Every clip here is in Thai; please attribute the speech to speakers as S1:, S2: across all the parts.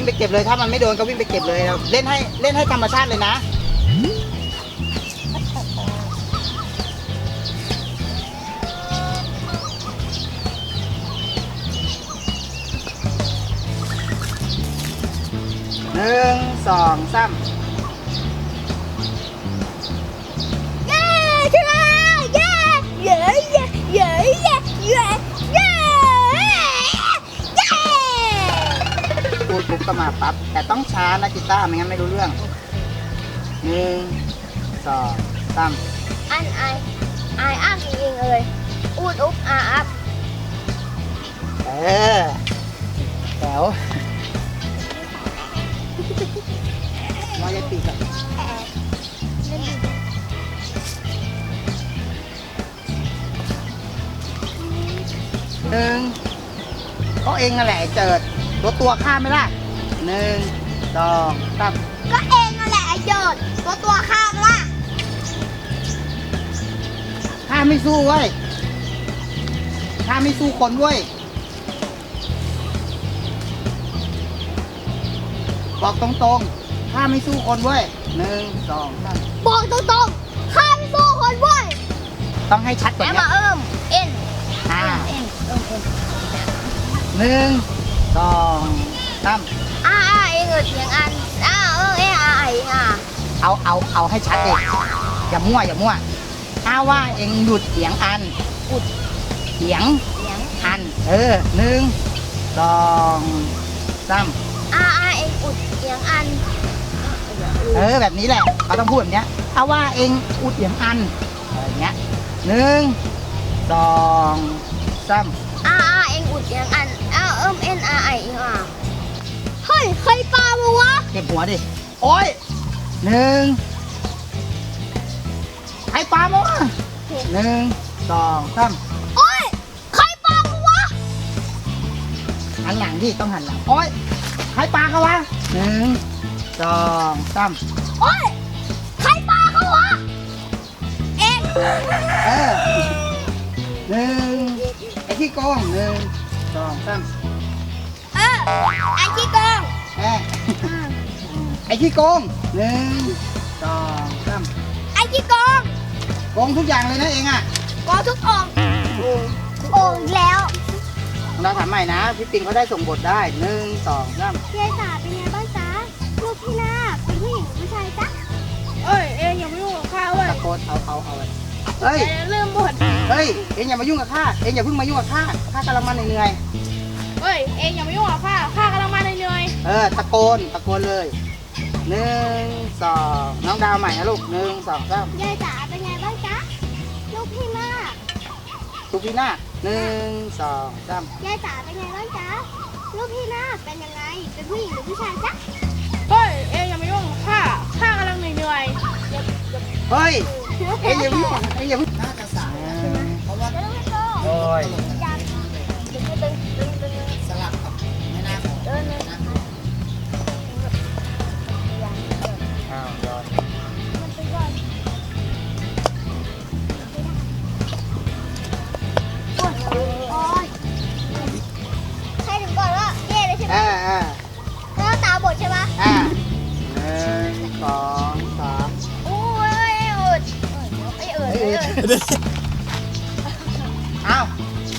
S1: วิ่งไปเก็บเลยถ้ามันไม่โดนก็วิ่งไปเก็บเลยเล่นให้ธรรมชาติเลยนะ1 2 3พูดปุ๊บก็มาปั๊บแต่ต้องช้านะกีตาร์ไม่งั้นไม่รู้เรื่อง1 2 3
S2: อันไออัพจริงๆเลยอูดอุ๊บอาอัพ
S1: แถวมอยปีกอะ1ก็เองนั่นแหละเจิดตัวข้ามไหมล่ะ1 2 3
S2: ก็เองนั่นแหละไอ้โยดตัวข้ามล่ะ
S1: ข้าไม่สู้เว้ยข้าไม่สู้คนเว้ยบอกตรงๆข้าไม่สู้คนเว้ย1 2 3
S2: บอกตรงๆข้าไม่สู้คนเว้ย
S1: ต้องให้ชัดกว่านี้
S2: มาเอ็น
S1: 1 2 3
S2: เองเสียงอัน
S1: เอาให้ชัดเลยอย่ามั่วถ้าว่าเองหยุดเสียงอันอุดเสียงอัน1 2 3
S2: เองอุดเสียงอัน
S1: แบบนี้แหละเขาต้องพูดแบบนี้ถ้าว่าเองอุดเสียงอันอะไรเงี้ย1 2 3
S2: เองอุดเสียงอันเฮ้ยใครปลามาวะ
S1: เก็บหัวดิโอ้ย1ใครปลามาวะ1 2 3
S2: โอ้ยใครปลามาวะ
S1: หันหลังดิต้องหันหลังโอ้ยใครปลาเขาวะ1 2 3
S2: โอ้ยใครปลาเขาวะเอ็ง
S1: 1ไอ้ที่โกง1 2 3
S2: ไอ้ที่โกง
S1: ไอ้ที่โกง1 2 3
S2: ไอ้ที่โกง
S1: โกงทุกอย่างเลยนะเองอ่ะ
S2: โกงทุกองโอ่งแล้ว
S1: เราถามใหม่นะพี่ปิงเขาได้ส่งบทได้1 2 3
S2: ยายจ๋าเป็นไงบ้างจ๊ะลูกพี่นาเป็นผู้หญิงหรือผู้ชายจ๊ะ
S3: เองอย่ามายุ่งกับข้าเว้ย
S1: ตะโกนเอาเฮ้ย
S3: เริ่มหมด
S1: เฮ้ยเองอย่ามายุ่งกับข้าเองอย่าเพิ่งมายุ่งกับข้ากำลังมาเหนื่อย
S3: เองอย่ามายุ่งกับข้ากำลังมาเหนื่อย
S1: ตะโกนเลย1 2น้องดาวใหม่นะลูก1 2 3
S2: ยายจ๋าเป็นไงบ้างจ๊ะลูกพี่นา
S1: 1 2 3
S2: ยายจ๋าเป็นไงบ้างจ๊ะลูกพี่นาเป็นยังไงเป็นผู้หญิงหรือผู้ชายจ๊ะ
S3: เองอย่ามายุ่งกับข้ากำลังเหนื่อย
S1: เฮ้ยเองอย่าเพิ่งน่าจะสายเพราะว่าโอ้ยสลับกับไม่น่าของย้อน
S2: ให้ถึงก่อนว่าเย่เลยใช่ไหมแล้วตาบดใช่ไหม
S1: 1 2 3
S2: โอ้ย
S1: อ้าว1 2 3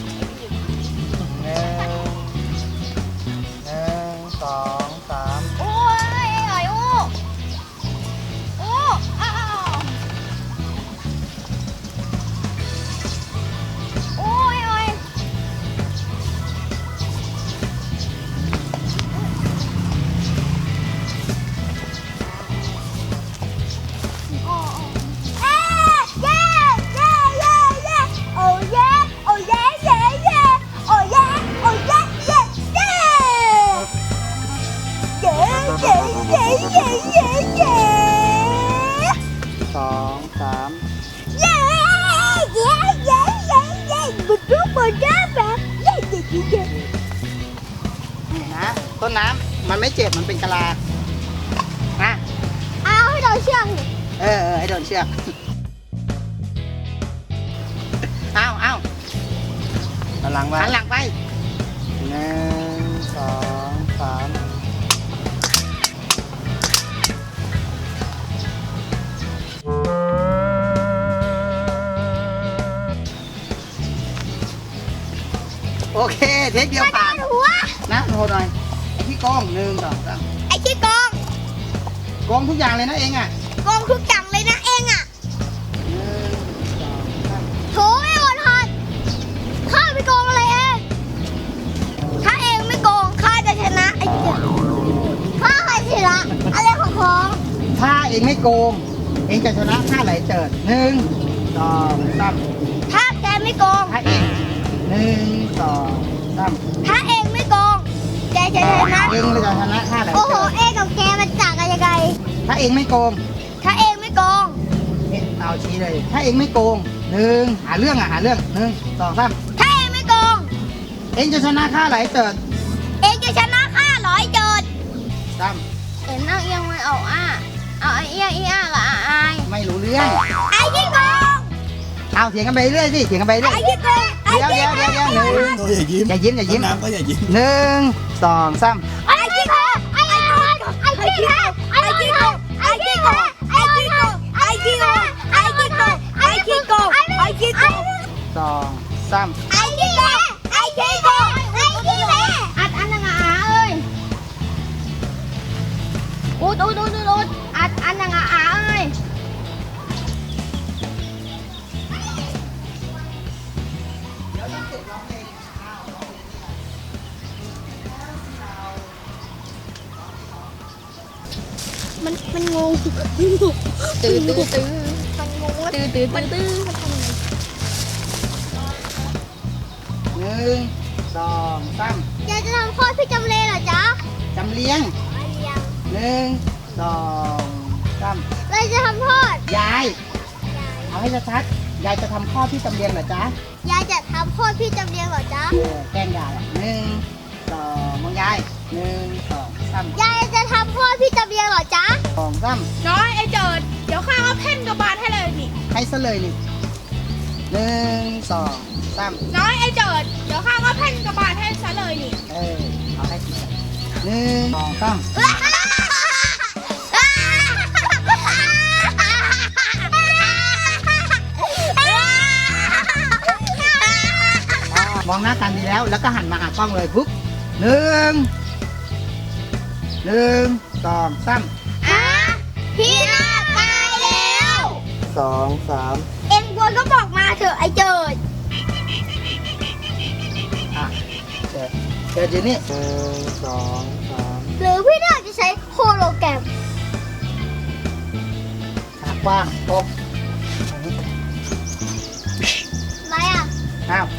S2: โอ้ยอ้าวโอ้ย
S1: นะต้นน้ำมันไม่เจ็บมันเป็นกะลานะ
S2: เอาให้โดนเชือก
S1: ให้โดนเชือกเอาหันหลังไป1 2 3 โอเคเทคเดียวผ่าน
S2: หัว
S1: นะโทรหน่อยไอ้ที่โกง1 2 3
S2: ไอ้ขี้โกง
S1: โกงทุกอย่างเลยนะเองอ่ะ
S2: โกงทุกอย่างเลยนะเองอ่ะ
S1: 1 2 3
S2: โถไม่อดทนข้าไม่โกงอะไรเองถ้าเองไม่โกงข้าจะชนะไอ้เจ้าข้าใครชนะอะไรของ
S1: ถ้าเองไม่โกง เองจะชนะท่าไหลเจิด1 2 3
S2: ถ้าแกไม่โกง
S1: ถ้าเอง1 2 3
S2: ถ้าเองไม่โกงแกจะชนะ
S1: เองจะชนะท่าไหล
S2: โอ้โห
S1: เจิด
S2: เองกับแกมันต่างกันยังไง
S1: ถ้าเองไม่โกง
S2: ถ้าเองไม่โกง
S1: เอาชี้เลย ถ้าเองไม่โกง1หาเรื่องหาเรื่อง1 2 3
S2: ถ้าเองไม่โกง
S1: เองจะชนะท่าไหลเจิด
S2: เองจะชนะข้า100โจทย์
S1: 3
S2: เอ็นนั่งเอียงไม่เอาเอาไอ้เอียงกับอาย
S1: ไม่รู้เรื่อง
S2: ไอ้ขี้โกง
S1: เอาเถียงกันไปเรื่อยสิเถียงกันไปเรื่อย
S2: ไอ้ขี้โกง
S1: เดี๋ยว1
S4: โอ้ยอย่ายิ้ม
S1: อย่ายิ้ม
S4: น้ำก็อย่ายิ้ม
S1: 1 2 3
S2: ไอ้ขี้โกงไอ้ขี้โกงไอ้ขี้โกงไอ้ขี้โกงไอ้ขี้โกงไอ้ขี้โกงไอ้ขี้โกงไอ้ขี้โกงไอ้ขี้โกงไอ้ขี้โกง
S1: 2 3
S2: ไอ้ขี้โกงไอ้ขี้โกงไอ้ขี้โกงอัดอันนังอาเอ้ยอุดอัดอันนังอาเอ้ยมันงงตื้อมันงงว่าตื้อมันทำยังไง
S1: 1 2 3
S2: อยากจะทำโทษพี่จำเลยเหรอจ๊ะ
S1: จำเลี้ยง 1 2 3
S2: เราจะทำโทษ
S1: ยาย เอาให้ชัดๆยายจะทำข้อที่จำเรียงเหรอจ๊ะ
S2: ยายจะทำโทษพี่จำเรียงเหรอจ๊ะ
S1: แกล้งยาย1 2มองยาย1 2 3
S2: ยายจะทำโทษพี่จำเรียงเหรอจ๊ะ
S1: 2 3
S3: น้อยไอ้เจิด เดี๋ยวข้าเอาแผ่นกระบาลให้เลยนี่
S1: ให้ซะเลยนี่1 2 3
S3: น้อยไอ้เจิด เดี๋ยวข้าเอาแผ่นกระบาลให้ซะเลยนี่
S1: เอาให้1 2 3 มองหน้ากันดีแล้ว แล้วก็หันมาหากล้องเลยปุ๊บ1 1 2 3
S2: อ่ะพี่นาคตายแล้ว
S1: 2 3
S2: เอ็งกลัวก็บอกมาเถอะไอ้เจิด
S1: อ่ะเดี๋ยวนี้1 2 3
S2: หรือพี่นาคจะใช้โฮโลแกรม
S1: ขากว้างตบ
S2: อะไรอ่ะ
S1: อ้าว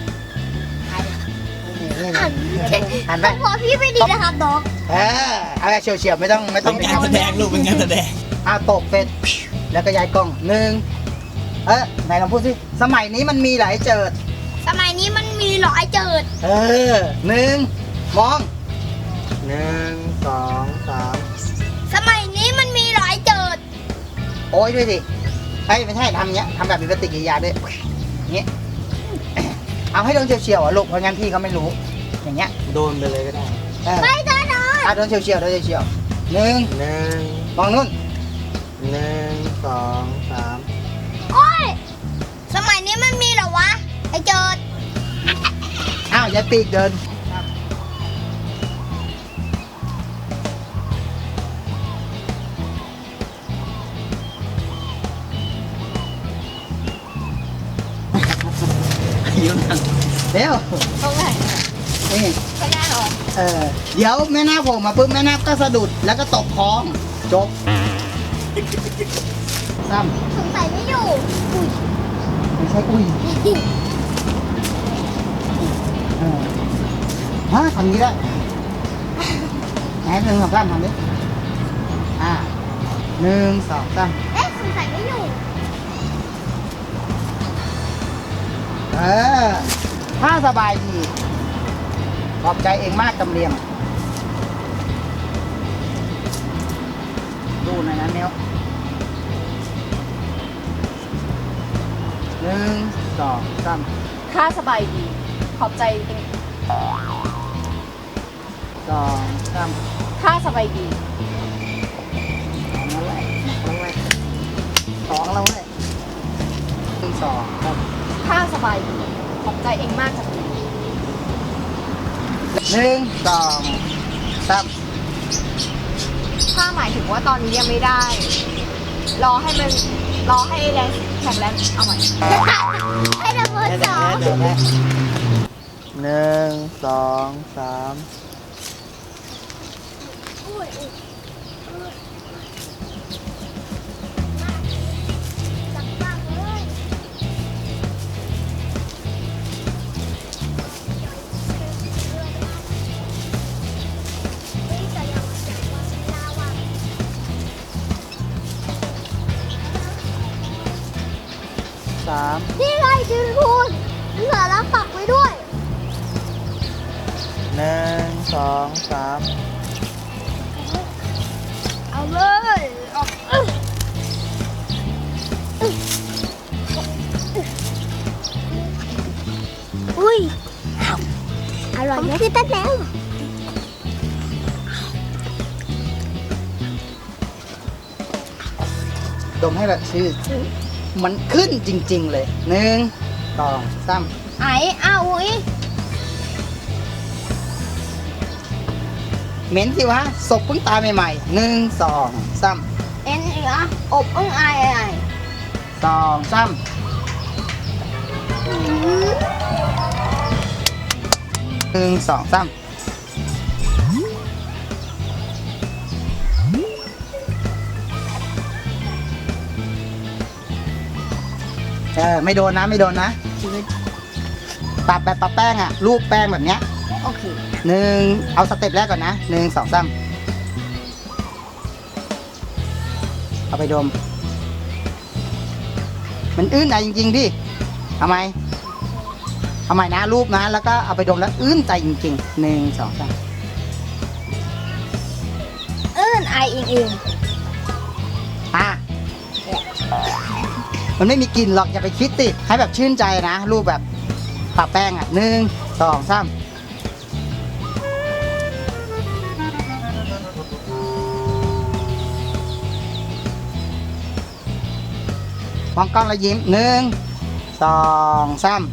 S1: นี่หันไป
S2: พอพี่ไม่ดีนะครับน้อง
S1: เอาแบบเฉียวๆไม่ต้อง
S4: เป็นงานแสดงลูกเป็นงานแสดง
S1: ตกเป็นแล้วก็ย้ายกล้องไหนลองพูดสิสมัยนี้มันมีหลายเจิด
S2: สมัยนี้มันมีหรอไอ้เจิด
S1: 1มอง1 2 3
S2: สมัยนี้มันมีหรอไอ้เจิด
S1: โอ้ยด้วยสิไม่ใช่ทำอย่างเงี้ยทำแบบมีปฏิกิริยาด้วยอย่างเงี้ยเอาให้โดนเฉียวๆลูกเพราะงั้นพี่เขาไม่รู้อย่างเงี้ย
S4: โดนไปเลยก็ได้
S2: ไม่ได้นอน
S1: โดนเฉียว1มองนู่น 1 2 3
S2: โอ้ยสมัยนี้มันมีเหรอวะไอ้เจิด
S1: ยายปีกเดินเร็ว
S2: ตรงไหน
S1: นี่
S2: ไม่ได้หรอ
S1: เดี๋ยวแม่นาคโผล่มาปุ๊บแม่นาคก็สะดุดแล้วก็ตกคลองจบซ้
S2: สงสัยไม่อยู่อุ้ย
S1: ำไม่ใช่อุ้ยทำนี้ได้ไหน1 2 3ทำดิ1 2 3
S2: เอ๊ะสงสัยไม่อยู่
S1: ถ้าสบายดีขอบใจเองมากจำเรียงดูหน่อยนะเมียว1 2 3
S3: ข้าสบายดี ขอบใจเอง
S1: 2 3
S3: ข้าสบายดี
S1: 2แล้วแหละ2แล้วแหละ1 2 3
S3: ข้าสบายดี ขอบใจเองมากจังเลย
S1: 1 หนึ่งสองสาม
S3: ถ้าหมายถึงว่าตอนนี้ยังไม่ได้ รอให้แรงแข็งแรงเอาใหม่
S2: ให้ดับเบิลสอง
S1: หนึ่งสองสาม
S2: จับปากเลยนี่จะยังจับปากยาวอ่ะ
S1: สาม
S2: นี่ไงจืนพูนเหลือแล้วปักไว้ด้วย
S1: หนึ่งสองสาม
S2: เอาเลยออกอุ้ยอร่อยไหมพี่เต้นแล้ว
S1: ดมให้แบบชื่อ มันขึ้นจริง ๆ เลยหนึ่งสองสาม
S2: ไอ้อ้าวอุ้ย
S1: เหม็นสิวะศพเพิ่งตายใหม่ๆหนึ่งสองสาม
S2: เอ็นเหรออบอึ้งไอไอ
S1: สองสามหนึ่งสองสามไม่โดนนะไม่โดนนะปรับแบบปรับแป้งอะรูปแป้งแบบเนี้ย
S2: โอเค
S1: หนึ่งเอาสเต็ปแรกก่อนนะหนึ่งสองสามเอาไปดม มันอื้นใจจริงๆดิเอาไหมเอาใหม่นะรูปนะแล้วก็เอาไปดมแล้วอื้นใจจริงๆหนึ่งสองสาม
S2: ไออิงอิง
S1: อ่ะมันไม่มีกลิ่นหรอกอย่าไปคิดติให้แบบชื่นใจนะรูปแบบปะแป้งอ่ะหนึ่งสองสามมองกล้องแล้วยิ้มหนึ่งสองสาม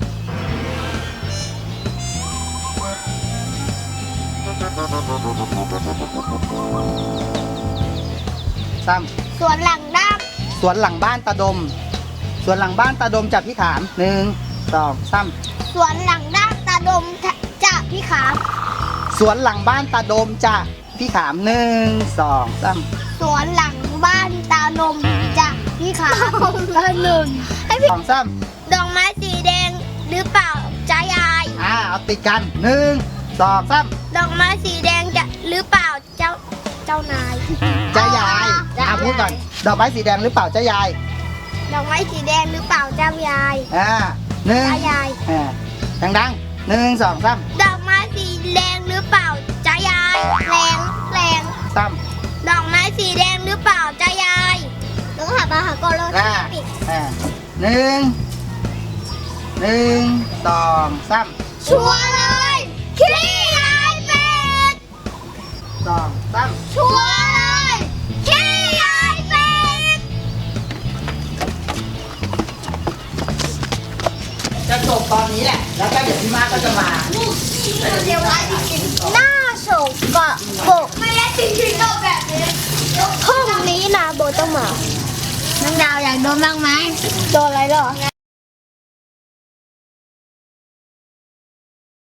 S1: สาม
S2: ส่วนหลังด้าม
S1: สวนหลังบ้านตาดม สวนหลังบ้านตาดมจากพี่ขามหนึ่งสองสาม
S2: สวนหลังด้ามตาดมจะพี่ขาม
S1: สวนหลังบ้านตาดมจากพี่ขามหนึ่งสองสาม
S2: สวนหลังบ้านตานมจะพี่ขามตานมให้พี่
S1: สองสาม
S2: ดอกไม้สีแดงหรือเปล่าจ้ายาย
S1: เอาติดกันหนึ่งสองสาม
S2: ดอกไม้สีแดงจะหรือเปล่าเจ้านาย
S1: จ้ายาย
S2: จ้ายาย
S1: พูดก่อนดอกไม้สีแดงหรือเปล่าจ้ายาย
S2: ดอกไม้สีแดงหรือเปล่าเจ้ายาย
S1: หนึ่ง
S2: จ้ายาย
S1: ดังๆหนึ่งสองสาม
S2: ดอกไม้สีแดงหรือเปล่าจ้ายายแรง
S1: สาม
S2: ดอกไม้สีแดงหรือเปล่าจ้ายายต้องหาปลาหากรแล้วปิด
S1: หนึ่งสองสาม
S2: ชัวร์เลยขี้ยายเป็ด
S1: สองสาม
S2: ชัวร์เลยขี้ยายเป็ด
S1: จะจบตอนนี้แหละ แล้วก็เดี๋ยวพี่มาก็จะมา
S2: เดี๋ยวไว้จริงๆหน้าโศกกะโบกไม่ได้จริงๆก็แบบนี้พรุ่งนี้นะโบต้องมาน้องดาวอยากโดนบ้างไหมโดนอะไรหรอไง